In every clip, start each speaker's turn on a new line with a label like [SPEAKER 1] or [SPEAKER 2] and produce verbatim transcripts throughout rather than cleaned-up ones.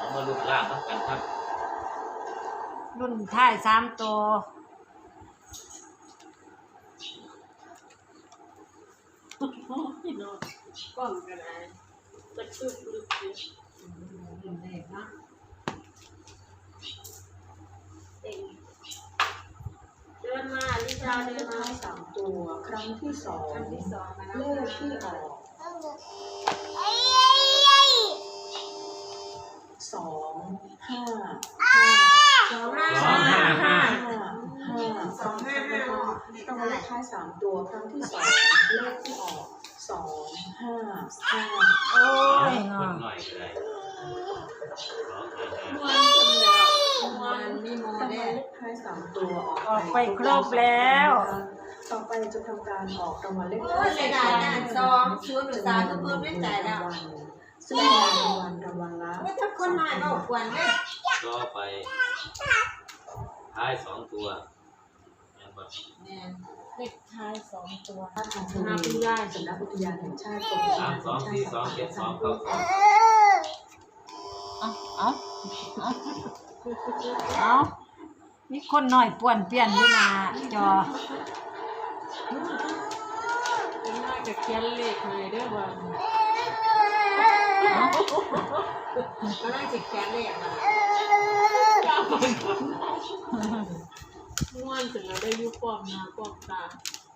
[SPEAKER 1] เอามาลุ้นล่างต้องกันครับ
[SPEAKER 2] รุ่นท้ายสามตัว
[SPEAKER 3] พี่น้องกล้องกันอะไรตะคุ่มลึกเลยรุ่นแรกนะเต็งเดินมาลิชาเดินมาสามตัวครั้งที่สองเลขที่ออกสองห้าห้าสองห้าห้าห้าห้าสองห้าห้าต้องเลขท้ายสามตัวครั้งที่สองเลขที่ออกสองห้าห้า
[SPEAKER 2] โอ้ย
[SPEAKER 1] คนหน่อยก็ได้
[SPEAKER 3] วันมีโมเดลท้ายสามตัว
[SPEAKER 2] ออกไปครบแล้ว
[SPEAKER 3] ต่อไปจะทำการออกรางวัลเลขท้า
[SPEAKER 4] โอ้
[SPEAKER 3] ย
[SPEAKER 4] ยเสียดายนะสองศูนย์หรือสามก็เพิ่มไม่จ่ายแล้ว
[SPEAKER 3] ซึ่งรางวัลรางวัลละ
[SPEAKER 4] ว่าถ้าคนน้อยก็ควรไหม
[SPEAKER 1] ก็ไปท้ายสองตัว
[SPEAKER 2] เลขท้ายสองตัว
[SPEAKER 3] ท่านทางทวีสำนักอุทยานแห่งชาติกรมอุท
[SPEAKER 1] สาม
[SPEAKER 3] ยาน
[SPEAKER 1] สองสี่สองเจ็ดสองเก้าสอง
[SPEAKER 2] เอาเอาเอาเอามีคนหน่อยป่วนเปลี่ยนอยู่หน้าจอ
[SPEAKER 3] เป็นหน้ากับเขียนเลขเลยเด้อว่า
[SPEAKER 4] ก็น่าจะแข็งเลยอ่ะ
[SPEAKER 3] ม้วนถึงเราได้ยุบปอมหน้าปอมตา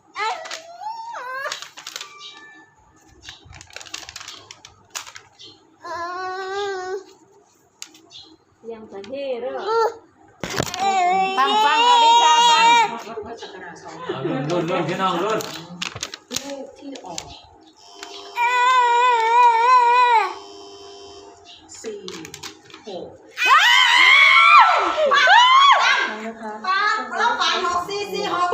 [SPEAKER 3] ยังจะเฮ่เด้อ
[SPEAKER 2] ฟังฟังอลิชาฟัง
[SPEAKER 1] รุ่นรุ่นรุ่นพี่น้องรุ่น
[SPEAKER 3] เลขที่ออกสี่หกนะคะ
[SPEAKER 4] เราฝันหกสี่สี่หก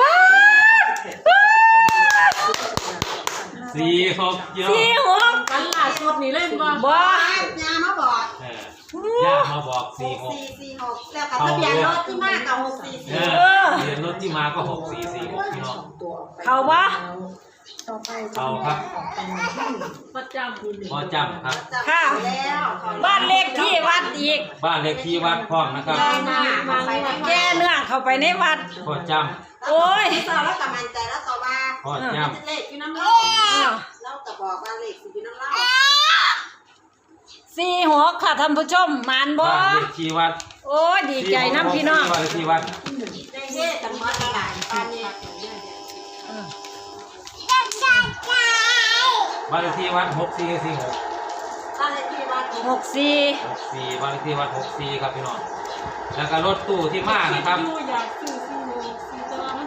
[SPEAKER 1] สี่หกเยอะ
[SPEAKER 2] สี่หก
[SPEAKER 3] กันล่าสุดนี่เล่นบ่
[SPEAKER 2] บ่
[SPEAKER 4] ยามาบอก
[SPEAKER 1] ย่ามาบอกสี่หก
[SPEAKER 4] สี่สี่หกแล้วกับทะเบียนรถที่มากกับหกสี่สี่
[SPEAKER 1] ทะเบียนรถที่มาก็หกสี่สี่หกพี่น้อง
[SPEAKER 2] เขาวะ
[SPEAKER 3] ต่อไป
[SPEAKER 1] เขาครับ
[SPEAKER 3] ประจำ
[SPEAKER 1] พอจำครับ
[SPEAKER 2] ค่ะบ้านเลขที่วัดอีก
[SPEAKER 1] บ้านเลขที่วัดพร้อมนะครับ
[SPEAKER 2] แก้เนื้อเข้าไปในวัด
[SPEAKER 1] พอจ
[SPEAKER 2] ำโอ้ย
[SPEAKER 4] สอบแล้วกำลังใจแล้วต่อมา
[SPEAKER 1] พอจำ
[SPEAKER 4] เลขอยู่น้ำเล่าแล้วก็บอกว่าเลขอยู่น้ำเล่า
[SPEAKER 2] สี่หัวค่ะท่านผู้ชมมานบ่
[SPEAKER 1] บ้านเลขที่วัด
[SPEAKER 2] โอ้ยดีใจน้ำพี่น้อง
[SPEAKER 1] บ้านเลขที่วัด
[SPEAKER 4] ได้เฮ่กันหมดหลายตอนนี้
[SPEAKER 1] บ้านเลขที่วัดหกสี่สี่หก
[SPEAKER 4] บ้านเลขที่วัด
[SPEAKER 2] หกสี่
[SPEAKER 1] หกสี่บ้านเลขที่วัดหกสี่ครับพี่น้องแล้วก็รถตู้ที่มานะครับ
[SPEAKER 3] อยากซื้อซื้อซื้อตัวมัน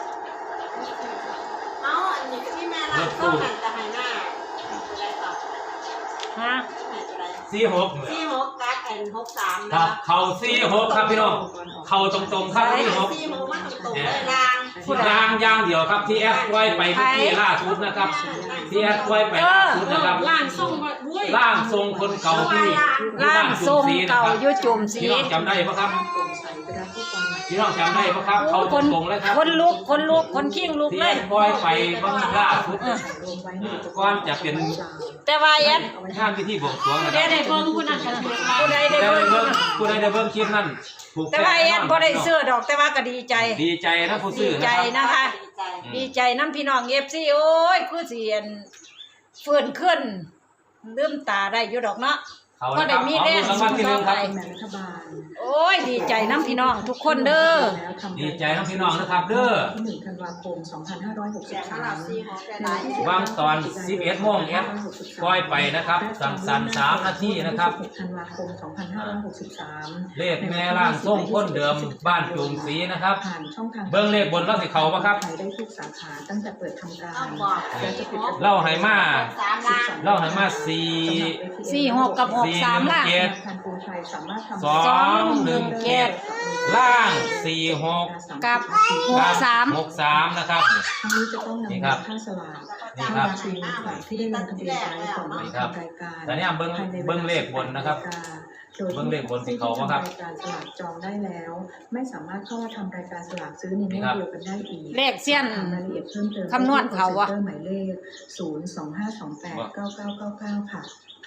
[SPEAKER 4] เอาอันนี้ที่แม่ร้านก็หันจะหันหน้าอะไรต่อ
[SPEAKER 2] ฮะ
[SPEAKER 1] สี่หก
[SPEAKER 4] สี่หกกัดแอนหกสาม
[SPEAKER 1] ครับ เข่าสี่หกครับพี่น้องเข่าตรงๆครับสี่หก
[SPEAKER 4] สี่หกมันตรงๆเลยราง
[SPEAKER 1] ยางยางเดียวครับที่แอดไว้ไปเมื่อกี้ล่าสุดนะครับที่แอดไว้ไปล่าสุดนะครับ
[SPEAKER 3] ล่างทรง
[SPEAKER 1] ล่างทรงคนเก่าที่
[SPEAKER 2] ล่างทรงเก่ายุจุ่มสี
[SPEAKER 1] พี่น้องจำได้ปะครับพี่น้องจำได้ปะครับเขาตรงๆเลยครับ
[SPEAKER 2] คนลุกคนลุกคนขิ้งลุกเลย
[SPEAKER 1] ที่แอดไว้ไปเมื่อล่าสุดก่อนจะเป็น
[SPEAKER 2] แต่ว่าแอด
[SPEAKER 1] งานพิธีบวงสรวงนะครับ
[SPEAKER 3] ได้เบิ้งผู้นั้นกัน
[SPEAKER 2] ผู้ใดได้เบิ้ง
[SPEAKER 1] ผู้ใดได้เบิ้งคลิปนั้น
[SPEAKER 2] แต่ว่าแอดบ่ได้ซื้อดอกแต่ว่าก็ดีใจ
[SPEAKER 1] ดีใจนะผู้ซื้อ
[SPEAKER 2] ดีใจนะคะดีใจน้ำพี่น้องเอฟซีโอ้ยคือเสียนฟื้นขึ้นลืมตาได้อยู่ดอกเนาะก็ได้มีแรงสู้ต่อไปโอ้ยดีใจน้ำพี่น้องทุกคนเด้อ
[SPEAKER 1] ดีใจน้ำพี่น้องนะครับเด้อ
[SPEAKER 3] ที่หนึ่งธันวาคมสองพันห้าร้อยหกสิบสาม
[SPEAKER 1] วางตอนสิบเอ็ดโมงแอดปล่อยไปนะครับสั้นๆสามนาทีนะครับ
[SPEAKER 3] ธันวาคมสองพันห้าร้อยหกสิบสาม
[SPEAKER 1] เลขแม่ล่างส่งคนเดิมบ้านจุ่มสีนะครับ
[SPEAKER 3] ผ่านช่องทาง
[SPEAKER 1] เบิ้งเลขบนแล้วสิเขาปะครับ
[SPEAKER 3] ได้ทุกสาขาตั้งแต่เปิดทำการ
[SPEAKER 1] เล่าให้มาเล่าให้มาสี่
[SPEAKER 2] สี่หกกับหกสามล่ะ
[SPEAKER 1] สองหนึ่งเจ็ดล่างสี่หก
[SPEAKER 2] กับหกสาม
[SPEAKER 1] หกสามนะครับ
[SPEAKER 3] ทั้งนี้จะต้องนำค่าสลาก
[SPEAKER 1] นี่ครับ
[SPEAKER 3] ที่ได้ลงทะเบียนไว้ก่อน
[SPEAKER 1] นี่ครับแต่เนี่ยเบิ้งเบิ้งเลขบนนะครับเบิ้งเลขบนสีเขาว่าครับ
[SPEAKER 3] รายการสลากจองได้แล้วไม่สามารถเข้ามาทำรายการสลากซื้อในเมื่อเดียวกันได้อีก
[SPEAKER 2] เลขเสี้ยน
[SPEAKER 3] รายละเอียดเพิ่มเติม
[SPEAKER 2] คำนวณเขาวะ
[SPEAKER 3] หมายเลขศูนย์สองห้าสองแปดเก้าเก้าเก้าเก้าค่ะ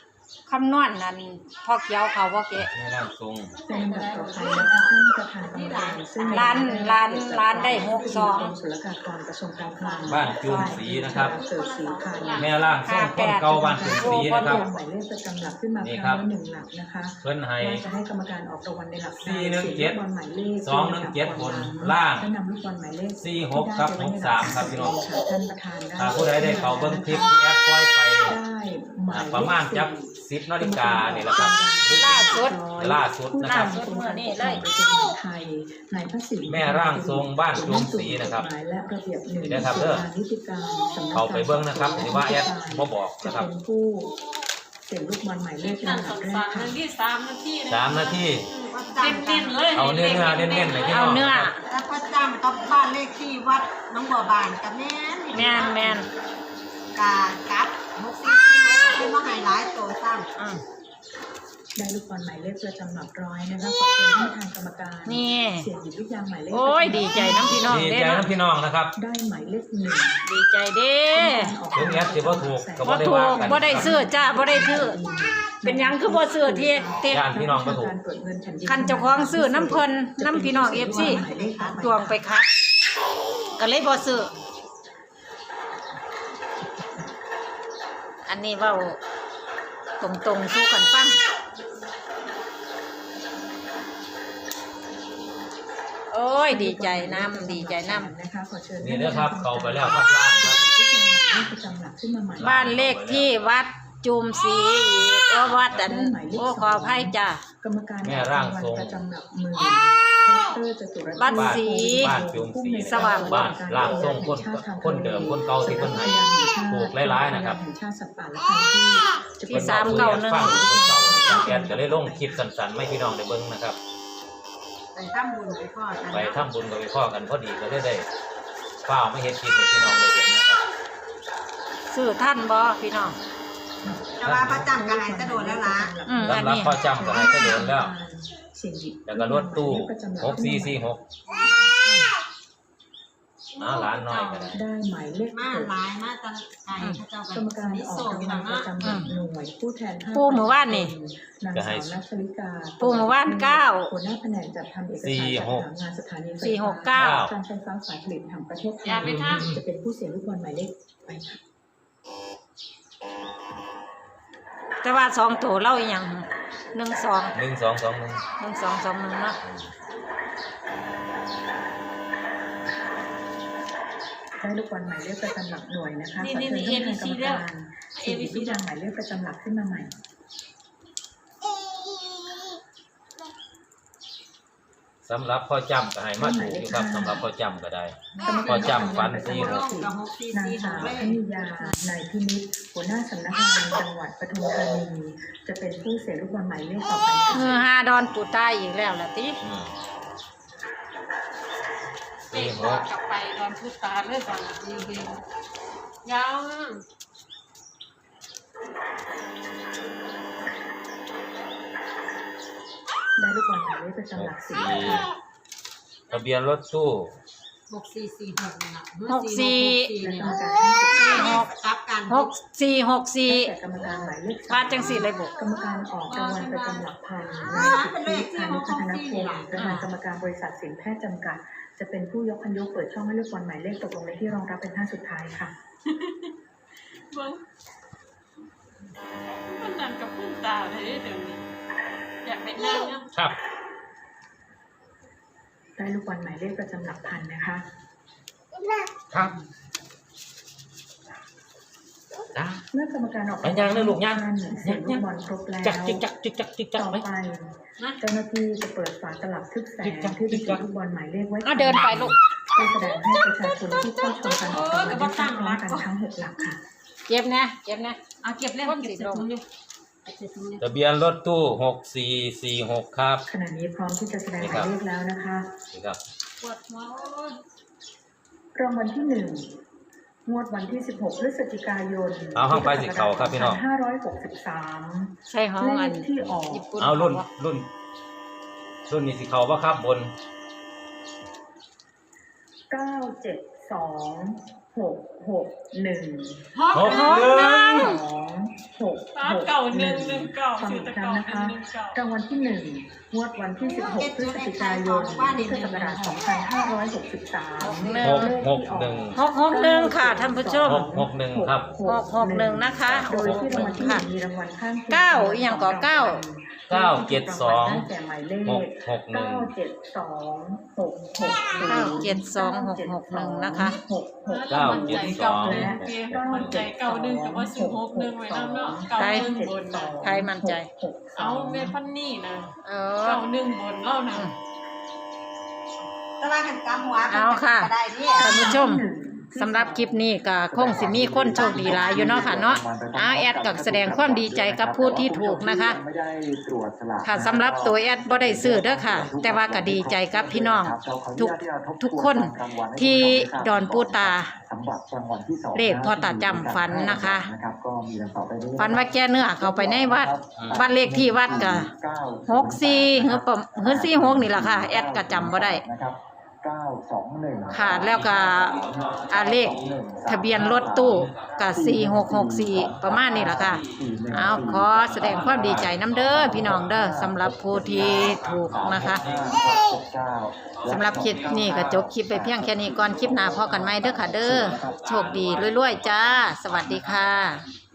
[SPEAKER 2] คำนวณนั่นพ่อเขียวเขาบ่เกะ
[SPEAKER 1] แม่ร่างทรง
[SPEAKER 3] เป็นลำดับต่อไปนะคะท่านประธานกรรมการซึ่ง
[SPEAKER 2] ร้านร้านร้านได้หกสอง
[SPEAKER 3] กรมศุลกากรกระทรวงการคลัง
[SPEAKER 1] บ้านจูมศรีนะครับ
[SPEAKER 3] เกิดสีพันธุ์
[SPEAKER 1] แม่ร่างทรงคนเก่าบ้านจูมศรีนะครับ
[SPEAKER 3] หมายเลขประจำหลักขึ้นมา
[SPEAKER 1] นี่
[SPEAKER 3] ค
[SPEAKER 1] ครั
[SPEAKER 3] รั้
[SPEAKER 1] บ
[SPEAKER 3] งละหนึ่งหลักนะคะ
[SPEAKER 1] เพิ่นให้
[SPEAKER 3] ว่าจะให้กรรมการออกรางวัลในหลัก
[SPEAKER 1] สี่หนึ่งเจ็ด
[SPEAKER 3] บอลหมายเลข
[SPEAKER 1] สองหนึ่งเจ็ดบนล่าง
[SPEAKER 3] ให้นำลูกบอลหมายเลข
[SPEAKER 1] สี่หกครับหกสามครับพี่น้อง
[SPEAKER 3] ค่ะท่านประธานได้
[SPEAKER 1] ถ้าผู้ใดได้เขาเบิ่งคลิปที่แอดปล่อยไป
[SPEAKER 3] ได้หมายเลข
[SPEAKER 1] ประมาณจักสิบนาฬิกานี่แหละครับ
[SPEAKER 2] ล่าสุด
[SPEAKER 1] ล่าสุดนะครับ
[SPEAKER 2] ล่าสุด เมื่อนี้เลย
[SPEAKER 3] ไทยนายพระศิลป์
[SPEAKER 1] แม่ร่างทรงบ้านจูมศรีนะครับ
[SPEAKER 3] กฎหมายและระเบียบหนึ่ง
[SPEAKER 1] นี่นะครับเด้อ
[SPEAKER 3] นิติการสำนักงน
[SPEAKER 1] เข้าไปเบิ่งนะครับหรือว่าแอดบ่บอก
[SPEAKER 3] จะ
[SPEAKER 1] นะครับ
[SPEAKER 3] เป็นผู้เสี่ยงลูกบอลหมายเลข
[SPEAKER 4] นั่น
[SPEAKER 3] ลำดับแร
[SPEAKER 4] สั่
[SPEAKER 3] ก
[SPEAKER 4] นๆ
[SPEAKER 3] ค่ะ
[SPEAKER 4] นั่นที่สามนาที
[SPEAKER 1] สามนาที
[SPEAKER 4] เน้นๆเลย
[SPEAKER 1] เอาเนื้อเนื้อเน้นๆเลยพี่น้
[SPEAKER 2] เอา
[SPEAKER 1] อง
[SPEAKER 2] เนื้อ
[SPEAKER 4] แล้วก็จำกับบ้านเลขที่วัดน้องบัวบานกับแม่น
[SPEAKER 2] แม่นแม่น
[SPEAKER 4] กากับหกสี่สี่หกเป็นมาไฮไลท์ตัวซ้ำ
[SPEAKER 2] อืม
[SPEAKER 3] ได้ลูกบอลหมายเลขประจำหลักร้อยนะคะขอเชิญท่านประธานกรรมการ
[SPEAKER 2] นี่
[SPEAKER 3] เสี่ยงหยิบลูกยางหมายเลข
[SPEAKER 2] โอ้ยดีใจน้ำพี่น้อง
[SPEAKER 1] ดี
[SPEAKER 2] เด้
[SPEAKER 1] ใจ
[SPEAKER 2] เนาะ
[SPEAKER 1] นะพี่น้องนะครับ
[SPEAKER 3] ได้หมายเลขหนึ่ง
[SPEAKER 2] ดีใจเด้
[SPEAKER 1] ถึงแอดสิบ่ถูกก็
[SPEAKER 2] บ่
[SPEAKER 1] บ่ได้
[SPEAKER 2] ถู
[SPEAKER 1] ว่าก กัน
[SPEAKER 2] บ่ได้ซื้อจ้าบ่ได้ซื้อเป็นหยังคือบ่ซื้อที่เต็ด
[SPEAKER 1] ย่านพี่น้องบ่ถูก
[SPEAKER 2] คันเจ้าของซื้อน้ำเพิ่นน้ำพี่น้อง เอฟ ซี ตวงไปคัดก็เลยบ่ซื้ออันนี้เว้าตรงๆสู้กันฟังโอ้ยดีใจน้ำดีใจน้ำ
[SPEAKER 3] นะคะขอเชิญ
[SPEAKER 1] นี่เด้อครับเข้าไปแล้วครับล่างครับ
[SPEAKER 3] ลูกยางหมายเลขประจำหลักขึ้นมาใหม่
[SPEAKER 2] บ้านเลขที่วัดจุมศรีอีกโอ้วัดอันโอ้ขออภัยจ้ะ
[SPEAKER 3] กรรมการ
[SPEAKER 1] แม่ร่างทรง
[SPEAKER 3] ประจำหลักมือดรจตุร
[SPEAKER 2] บ้านศรี
[SPEAKER 1] บ้านจูมศรี
[SPEAKER 2] สว่าง
[SPEAKER 1] บ้านร่างทรงคนคนเดิมคนเก่าที่เพิ่นให้ปลูกหลายๆนะครับ
[SPEAKER 3] แห่งชาติสัตว์ป่าและพันธุ์พืชจะ
[SPEAKER 2] ที่
[SPEAKER 3] เป็น
[SPEAKER 2] สามเก้าหนึ่ง
[SPEAKER 1] ฟังคนเก่าแอดก็เลยลงคลิปสั้นๆไม่พี่น้องได้เบิ่งนะครับ
[SPEAKER 4] ไปทำบุญไปพ่อกัน
[SPEAKER 1] ไปทำบุญกับไปพ่อกันพอดีก็ได้ได้ฝ้าวไม่เห็นคลิปให้พี่น้องได้เห็นนะครับ
[SPEAKER 2] ซื้อท่านบ่พี่น้อง
[SPEAKER 4] แต่ว่าประจำกันไหนจะโดนแล้วล่ะ
[SPEAKER 2] อืมอัน
[SPEAKER 1] สำหรับ
[SPEAKER 2] นี้
[SPEAKER 1] พ่อจำก็ให้ก็โดนแล้วแล้วก็รถตู้หกสี่สี่หกน้าร้านน้อยก็ได้
[SPEAKER 3] ได้หมายเลข
[SPEAKER 4] มา
[SPEAKER 3] หก
[SPEAKER 4] หลายมาตะไก่พระเจ้าก
[SPEAKER 3] รรมการ
[SPEAKER 4] นิ
[SPEAKER 3] อ
[SPEAKER 4] โซ
[SPEAKER 3] อก
[SPEAKER 4] อยู่
[SPEAKER 3] ราง
[SPEAKER 4] หลั
[SPEAKER 3] วั
[SPEAKER 4] ง
[SPEAKER 3] ลประ
[SPEAKER 4] นะ
[SPEAKER 3] จำหลักหน่วยผู้แทนห้า
[SPEAKER 2] ปูหมู่บ้านนี่
[SPEAKER 3] นางสาวนัชลิกา
[SPEAKER 2] ปูหมู่บ้านเก้า
[SPEAKER 3] หัวหน้าแผนกจัดทำเอกสาร
[SPEAKER 1] สี่
[SPEAKER 3] จัด
[SPEAKER 1] หก
[SPEAKER 3] หางานสถานีไฟ
[SPEAKER 2] สี่ห
[SPEAKER 3] ฟ้าก
[SPEAKER 2] เก้า
[SPEAKER 3] การไฟฟ้าฝ่ายผลิตแห่งประเทศไท
[SPEAKER 4] อย่าไป
[SPEAKER 3] ย
[SPEAKER 4] ทำ
[SPEAKER 3] จะเป็นผู้เสียลูกบอลหมายเลขไปค่ะ
[SPEAKER 2] แต่ว่าสองตัวเล่าอีหยังหนึ่งสอง
[SPEAKER 1] หนึ่งสองสองหนึ่ง
[SPEAKER 2] หนึ่งสองสองหนึ่งเนาะ
[SPEAKER 3] ได้ลูกบอลหมายเลขประจำหลักหน่วยนะคะ
[SPEAKER 4] นี่
[SPEAKER 3] ขอ
[SPEAKER 4] นี่
[SPEAKER 3] เชิญ
[SPEAKER 4] นี่
[SPEAKER 3] ท่านประธานกรรม
[SPEAKER 4] เอ
[SPEAKER 3] การ
[SPEAKER 4] เอ
[SPEAKER 3] เสี่ยงห
[SPEAKER 4] วี
[SPEAKER 3] ยิบ
[SPEAKER 4] ซี
[SPEAKER 3] ลูกยางหมายเลขประจำหลักขึ้นมาใหม่
[SPEAKER 1] สำหรับพ่อจำก็ให้มาถูกอยู่ครับสำหรับพ่อจำก็ได้ พอจำฟันสี่หก
[SPEAKER 4] กับหกสี่
[SPEAKER 3] นาง
[SPEAKER 4] สี่ห
[SPEAKER 3] สาก ว
[SPEAKER 4] เล
[SPEAKER 3] พ
[SPEAKER 4] ย
[SPEAKER 3] นิยานายพินิจหัวหน้าสำนักงานจังหวัดปทุมธานีจะเป็นผู้เสียลูกบอลหมายเลขต่อไป
[SPEAKER 2] เฮือ
[SPEAKER 3] ค่ะ
[SPEAKER 2] ฮาดอนปูใต้อีกแล้วล่ะติ
[SPEAKER 1] อืม
[SPEAKER 4] เตะ
[SPEAKER 1] สี่ห
[SPEAKER 4] ต่
[SPEAKER 1] ก
[SPEAKER 4] กลับไปโดนพุตาเลยก่อนดีเงยาว
[SPEAKER 3] ได้ลูกบอลหมายเลขประจำหลักสิบ
[SPEAKER 1] สี่
[SPEAKER 3] ค่ะ
[SPEAKER 1] ทะเบียนรถตู้
[SPEAKER 4] หกสี่สี่หกนะ
[SPEAKER 2] หกสี่
[SPEAKER 3] และกรรม
[SPEAKER 4] เนี่ย
[SPEAKER 3] การท่านสุดท้าย
[SPEAKER 4] หกกับกัน
[SPEAKER 2] หกสี่หกสี่
[SPEAKER 3] แต่กรรมการหมายเลขสาม
[SPEAKER 2] บาทจังสี่เลยบุ
[SPEAKER 3] กรรมการออกรางวัลประจำหลักพันนายสิทธิพานุพัฒนพงศ์ประธานกรรมการบริษัทสินแพทย์จำกัด จะเป็นผู้ยกคันยกเปิดช่องให้ลูกบอลหมายเลขตกลงในที่รองรับเป็นท่านสุดท้ายค่ะ
[SPEAKER 4] เบิ้งมันนั่นกับพุ่งตาเลยเดี๋ยวนี้อยากเป็นนางเนี่ย
[SPEAKER 1] ครับ
[SPEAKER 3] ได้ลูกบอลหมายเลขประจำหลักพันนะคะ
[SPEAKER 1] ครับจ้า
[SPEAKER 3] เมื่อกรรมการออก
[SPEAKER 1] ไปยังนะลูกยัง
[SPEAKER 3] ท่านเสียงลูกบอลครบแล้ว
[SPEAKER 1] จักจิกจักจิกจักจิกจัก
[SPEAKER 3] ต่อ
[SPEAKER 1] ไหม
[SPEAKER 3] ไป
[SPEAKER 4] นะ
[SPEAKER 3] เจ้าหน้าที่จะเปิดฝาตลับทึบแสงที่บรรจุลูกบอลหมายเลขไว้
[SPEAKER 2] เอาเดินไปลูก
[SPEAKER 3] เพื่อแสดงให้ประชาชนที่เข้าชมการออกรางวัลได้ทราบพร้อมกันทั้งหกหลักค่ะ
[SPEAKER 2] เก็บนะเก็บนะ
[SPEAKER 4] เอาเก็บเล่ม
[SPEAKER 2] คน
[SPEAKER 4] เก็บ
[SPEAKER 2] สิ
[SPEAKER 4] เสร็จ
[SPEAKER 2] ลง
[SPEAKER 4] ตรงนี้เก็บเสร็จตรงนี้
[SPEAKER 1] ทะเบียนรถตู้หกสี่สี่หกครับ
[SPEAKER 3] ขณะนี้พร้อมที่จะแสดงหมายเลขแล้วนะคะ
[SPEAKER 1] นี่ครับ
[SPEAKER 4] ปวดหัวโอ้ย
[SPEAKER 3] รางวัลที่หนึ่งงวดวันที่สิบหกพฤศจิกายน
[SPEAKER 1] เอาห้องไปสิเขาครับพี่น้อง
[SPEAKER 3] ห้าร้อยหกสิบสาม
[SPEAKER 2] ใช่ห้อง
[SPEAKER 3] เล
[SPEAKER 2] อั
[SPEAKER 3] ข
[SPEAKER 2] น
[SPEAKER 3] ที่ออก
[SPEAKER 2] ญี่ปุ่น
[SPEAKER 1] เอารุ่นรุ่น รุ่นนี้สิเขาว่าครับบน
[SPEAKER 3] เก้าเจ็ดสองหกหกหนึ่ง
[SPEAKER 2] หกหกหนึ่ง
[SPEAKER 3] สองหก
[SPEAKER 5] ร้าน
[SPEAKER 3] หก
[SPEAKER 5] เก่าหนึ่งหนึ่งเก่า
[SPEAKER 3] ฟัง
[SPEAKER 5] ชื่อ
[SPEAKER 3] อีก
[SPEAKER 5] ตะ
[SPEAKER 3] ครั้
[SPEAKER 5] เก่าง
[SPEAKER 3] นะคะ
[SPEAKER 5] หนึ่งเก่า
[SPEAKER 3] รางวัลที่หนึ่งงวดวันที่สิบหกพฤศจิกายนพุทธศักราชสองพันห้าร้อยหกสิบสาม
[SPEAKER 1] หกหกหนึ่ง
[SPEAKER 2] หกหกหนึ่งค่ะท่านผู้ชม
[SPEAKER 1] หกหกหนึ่งครับ
[SPEAKER 2] หกหกหนึ่งนะคะ
[SPEAKER 3] โดยที่รางวัลที่หนึ่งมีรางวัลข้างคียง
[SPEAKER 2] เก้าอีกอย่างก่อเก้า
[SPEAKER 1] เก้าเจ็ดสอง
[SPEAKER 3] ได้แก่หมายเล
[SPEAKER 1] ห
[SPEAKER 3] ข
[SPEAKER 1] กหกหนึ่ง
[SPEAKER 3] เก้าเจ็ดสองหกหก
[SPEAKER 2] เก้าเจ็ดสองหกหกหนึ่งนะคะ
[SPEAKER 3] หกหก
[SPEAKER 1] เก้าเจ็ดสอง
[SPEAKER 5] มันใจเก่าหนึ่งแต่ว่าซื้อหกหนึ่งไว้น้ำเนาะเก่าหนึ่งบนนะ
[SPEAKER 2] ใครมั่นใจ
[SPEAKER 5] เอาเมพันนี่นะ
[SPEAKER 2] เอ
[SPEAKER 5] เก่า
[SPEAKER 2] อ
[SPEAKER 5] หนึ่งบนเล่านะ
[SPEAKER 4] แต่ว่ากันกำหัว
[SPEAKER 2] เอาค่ะ
[SPEAKER 4] ก็ได้นี่
[SPEAKER 2] ท่านผู้ชมสำหรับคลิปนี้ก็คงสิมีคนโชคดีหลายอยู่เนาะค่ะเนาะเอาแอดก็แสดงความดีใจกับผู้ที่ถูกนะคะ
[SPEAKER 6] ไม่ได้ตรวจสลาก
[SPEAKER 2] ค่ะสำหรับตัวแอดบ่ได้ซื้อเด้อค่ะ แต่ว่าก็ดีใจกับพี่น้องทุกทุกคนที่ดอนปูตา
[SPEAKER 6] สำหรับรางวัลที่สอง
[SPEAKER 2] เลขพ่อตาจำฝันนะคะ
[SPEAKER 6] นะครับก็มีดังต่อไปนี้
[SPEAKER 2] ฝันว่าแกเนื้อเข้าไปในวัดบ้านเลขที่วัดก็หกสี่หรือประหรือสี่หกนี่แหละค่ะ แอดก็จำบ่ได้
[SPEAKER 6] นะครับเก้าสองหนึ่ง
[SPEAKER 2] ค่ะแล้วก็อาเลขทะเบียนรถตู้ก็สี่หกหกสี่ประมาณนี้แหละค่ะ เอาขอแสดงความดีใจน้ำเด้อพี่น้องเด้อสำหรับผู้ที่ถูกนะคะสำหรับคลิปนี้ก็จบคลิปไปเพียงแค่นี้ก่อนคลิปหน้าพอกันไหมเด้อค่ะเด้อโชคดีรวยๆจ้า สวัสดีค่ะ